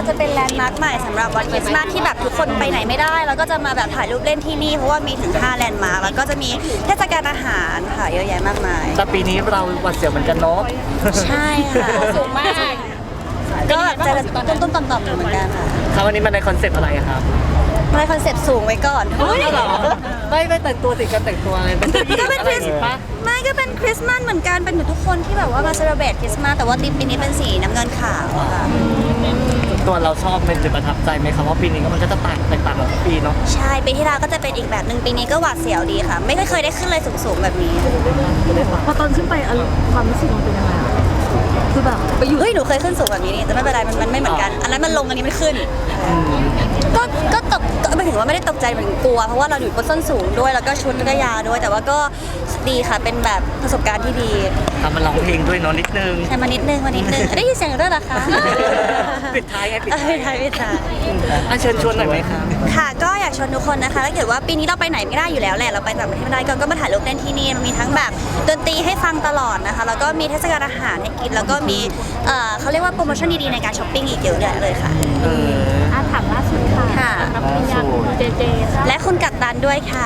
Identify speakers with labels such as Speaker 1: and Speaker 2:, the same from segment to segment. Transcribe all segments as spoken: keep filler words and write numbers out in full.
Speaker 1: จะเป็นแลนด์มาร์คใหม่สำหรับวันคริสต์มาสที่แบบทุกคนไปไหนไม่ได้แล้วก็จะมาแบบถ่ายรูปเล่นที่นี่เพราะว่ามีถึงห้าแลนด์มาร์คแล้วก็จะมีเทศกาลอาหารค่ะเยอะแยะมากมาย
Speaker 2: แต่ปีนี้เราหวัดเสียวเหมือนกันเนาะ
Speaker 1: ใช่ค่ะ
Speaker 3: สูงมาก
Speaker 1: ก็แบบจะต้นๆต่อมๆอยู่เหมือนกันค่ะ
Speaker 2: ครับวันนี้มันในคอนเซ็ปต์อะไรครับ
Speaker 1: ไม่คอนเซ็ปต์สูงไว้ก่อน
Speaker 2: เฮ้ยเหรอไม่ไม่แต่งตัวสิการแต่งตัวอะไรเป็น
Speaker 1: ก็เป็นคริสต์มาสไม่ก็เป็นคริสต์มาสเหมือนกันเป็นเหมือนทุกคนที่แบบว่ามาเซเลบรตคริสต์มาสแต่ว่าธีมปีนี้เป็นสีน้ำเงินขาวค่ะ
Speaker 2: ตัวเราชอบเป็นจุดประทับใจไหมครับว่าปีนี้ก็มันก็จะต่างแตกต่างกับทุกปีเนาะ
Speaker 1: ใช่ปีที่แล้วก็จะเป็นอีกแบบหนึ่งปีนี้ก็หวาดเสียวดีค่ะไม่เคยได้ขึ้นเลยสูงๆแบบนี้
Speaker 3: พอตอนขึ้นไปความรู้สึกมันเป็นยังไงอะคือแบบ
Speaker 1: ไปอยู่เฮ้ยหนูเคยขึ้นสูงแบบนี้นี่แต่ไม่เป็นไรมันมันไม่เหมือนกันอันนั้นมันลงอันนี้มันขึ้นก็ก็ตกก็ไม่ถึงว่าไม่ได้ตกใจเหมือนกลัวเพราะว่าเราอยู่บนส้นสูงด้วยแล้วก็ชุดก็ยาวด้วยแต่ว่าก็ดีค่ะเป็นแบบประสบการณ์ที่ดี
Speaker 2: ทำมาร้องเพลงด้วยเนาะนิดนึง
Speaker 1: ใช่มานิดนึงมานิดนึงได้ยินเสียงด้วยเหรอคะ
Speaker 2: ปิดท้ายไงปิด
Speaker 1: ท้ายปิดท้าย
Speaker 2: อ่ะเชิญชวนหน่อยไหมครับ
Speaker 1: ค่ะก็อยากชวนทุกคนนะคะถ้าเกิดว่าปีนี้เราไปไหนไม่ได้อยู่แล้วแหละเราไปต่างประเทศไม่ได้ก็มาถ่ายรูปเล่นที่นี่มันมีทั้งแบบดนตรีให้ฟังตลอดนะคะแล้วก็มีเทศกาลอาหารให้กินแล้วก็มีเขาเรียกว่าโปรโมชั่นดีๆในการช้อปปิ้งอีกเยอะเลยค่ะ
Speaker 3: อาถามล่าสุดค่ะรับปริญญาคุณเจเจ
Speaker 1: และคุณกัปตันด้วยค่ะ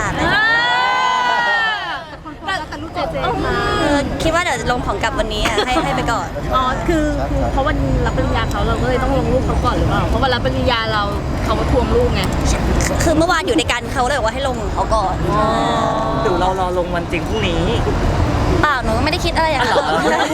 Speaker 1: คิดว่าเดี๋ยวลงของกลับวันนี้ให้ให้ไปก่อน
Speaker 3: อ๋อคือคือเพราะวันรับปริญญาเขาเราก็เลยต้องลงรูปเขาก่อนหรือเปล่าเพราะวันรับปริญญาเราเขามาทวงรูปไง
Speaker 1: คือเมื่อวานอยู่ในการเขาเลยบอกว่าให้ลงเขาก่อน
Speaker 2: หรือเรารอลงวันจริงพรุ่งนี้
Speaker 1: เปล่าหนูไม่ได้คิดอะไรอย่างนั้น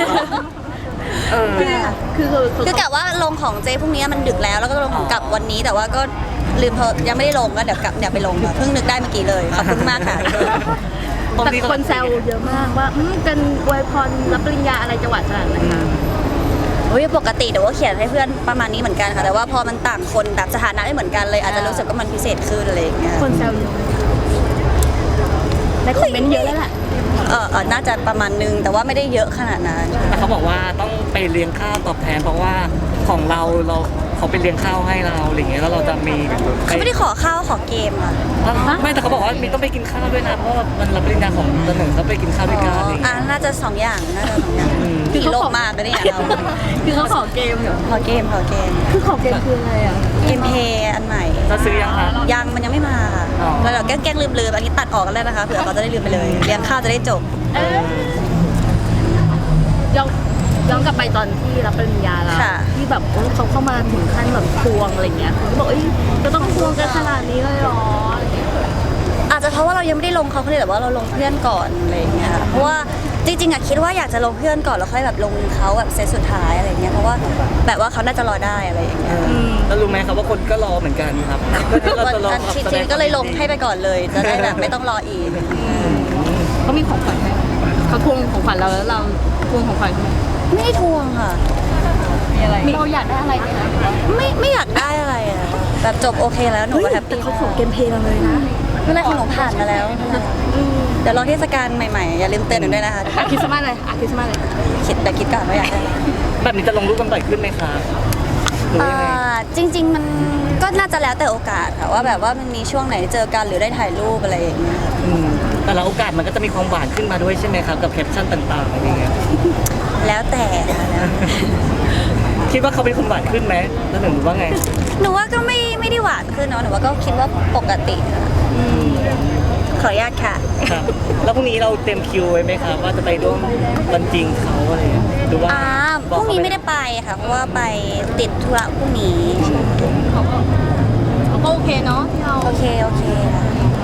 Speaker 1: คือคือคือกะว่าลงของเจพรุ่งนี้มันดึกแล้วแล้วก็ลงของกลับวันนี้แต่ว่าก็ลืมเพอยังไม่ได้ลงก็เดี๋ยวกลับเดี๋ยวไปลงเพิ่งนึกได้เมื่อกี้เลยขอบคุณมากค่ะ
Speaker 3: แต่คนแซวเยอะมากว่ากันอวยพรรับปริญญาอะไรจังหวัดขนาดไหนคะ
Speaker 1: โอ้ยปกติเดี๋ยวว่าเขียนให้เพื่อนประมาณนี้เหมือนกันค่ะแต่ว่าพอมันต่างคนแบบสถานะไม่เหมือนกันเลยอาจจะรู้สึกว่ามันพิเศษขึ้นอะไรอย่างเงี้ย
Speaker 3: คนแซวเยอะในคอมเมนต์เยอะแล้วแหละ
Speaker 1: เออน่าจะประมาณนึงแต่ว่าไม่ได้เยอะขนาดนั้น
Speaker 2: แต่เขาบอกว่าต้องไปเลี้ยงข้าวตอบแทนเพราะว่าของเราเราเขาไปเลี้ยงข้าวให้เราอะไรเงี้ยแล้วเราจะมี
Speaker 1: เขาไม่ได้ขอข้าวขอเกมอ่ะ
Speaker 2: ไม่แต่เขาบอกว่ามีต้องไปกินข้าวด้วยนะเพราะว่ามันรับปริญญาของตนหนึ่งเขาไปกินข้าวด้วยกัน
Speaker 1: อ่าน่าจะสองอย่างน่าจะสองอย่างคือโลกมากเลยเนี่ยเรา
Speaker 3: คือเขาขอเกมเหรอ
Speaker 1: ขอเกมขอเกม
Speaker 3: คือขอเกมคืออะไรอ่ะ
Speaker 1: เกมเพย์อันใหม่
Speaker 2: เราซื้อยังคะ
Speaker 1: ยังมันยังไม่มาค่ะแล้วเราแกล้งลืมลืมอันนี้ตัดออกกันแล้วนะคะเผื่อเขาจะได้ลืมไปเลยเลี้ยงข้าวจะได้จบ
Speaker 3: ย้อนย้อนกลับไปตอนที่รับปริญญาแล้วที่แบบเขาเข้ามาถึงขั้นแบบทวงอะไรเงี้ยเขาบอกเอ้ยจะต้องทวงกันขนาดนี้เลยหรอ
Speaker 1: อาจจะเพราะว่าเรายังไม่ได้ลงเขาเลยแต่ว่าเราลงเพื่อนก่อนอะไรเงี้ยเพราะว่าจริงๆอะคิดว่าอยากจะลงเพื่อนก่อนแล้วค่อยแบบลงเขาแบบเซตสุดท้ายอะไรเงี้ยเพราะว่าแบบว่าเขาน่าจะรอได้อะไรอย่างเงี้ย
Speaker 2: แล้วรู้ไหมครับว่าคนก็รอเหมือนกันครับ
Speaker 1: จริงๆก็เลยลงให้ไปก่อนเลยจะได้แบบไม่ต้องรออีก
Speaker 3: เขามีของขวัญไหมเขาทวงของขวัญเราแล้วเราทวงของขวัญเขาไหม
Speaker 1: ไม่ได้ทวงค่ะ
Speaker 3: มีอะไรเราอยากได้อะไรไหมคะ
Speaker 1: ไม่ไม่อยากได้อะไรอะแบบจบโอเคแล้วหนูก็แฮปปี้
Speaker 3: เขาขอเกมเพลย์เราเลยนะ
Speaker 1: ไม่ไรของหนูผ่านมาแล้วเดี๋ยวรอเทศกาลใหม่ๆอย่าลืมเตือนหนูด้วยนะคะ
Speaker 3: คริสต์มาสเลยคริสต์มาสเลย
Speaker 1: คิดแต่คิดก่อนว่าอยากได้
Speaker 2: แบบนี้จะลงรูปกันบ่อยขึ้นไหมคะ
Speaker 1: จริงๆมันก็น่าจะแล้วแต่โอกาสค่ะว่าแบบว่ามันมีช่วงไหนเจอกันหรือได้ถ่ายรูปอะไรอย่างเงี้ย
Speaker 2: แต่ละโอกาสมันก็จะมีความหวานขึ้นมาด้วยใช่ไหมครับกับแคปชั่นต่างๆอะไรเงี้ย
Speaker 1: แล้วแต่
Speaker 2: คิดว่าเขาเป็นคนหวานขึ้นไหมแล้วหนูว่าไง
Speaker 1: หนูว่าก็ไม่ไม่ได้หวานขึ้นเนาะหนูว่าก็คิดว่าปกติขออนุญาตค่ะ
Speaker 2: ครับแล้วพรุ่งนี้เราเต็มคิวไว้ไหมครับว่าจะไปร่วมวันจริงเขาอะไรหรือว่า
Speaker 1: อ่าพรุ่งนี้ไม่ได้ไปค่ะเพราะว่าไปติดธุระพรุ่งนี้
Speaker 3: เขาก็เขาก็โอเคเนาะที่เรา
Speaker 1: โอเคโอเคค่ะ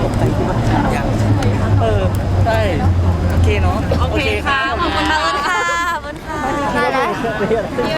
Speaker 2: เออใช่โอเคเนาะ
Speaker 3: โอเคค่ะ
Speaker 1: ขอบคุณมากค่ะขอบคุณค่ะ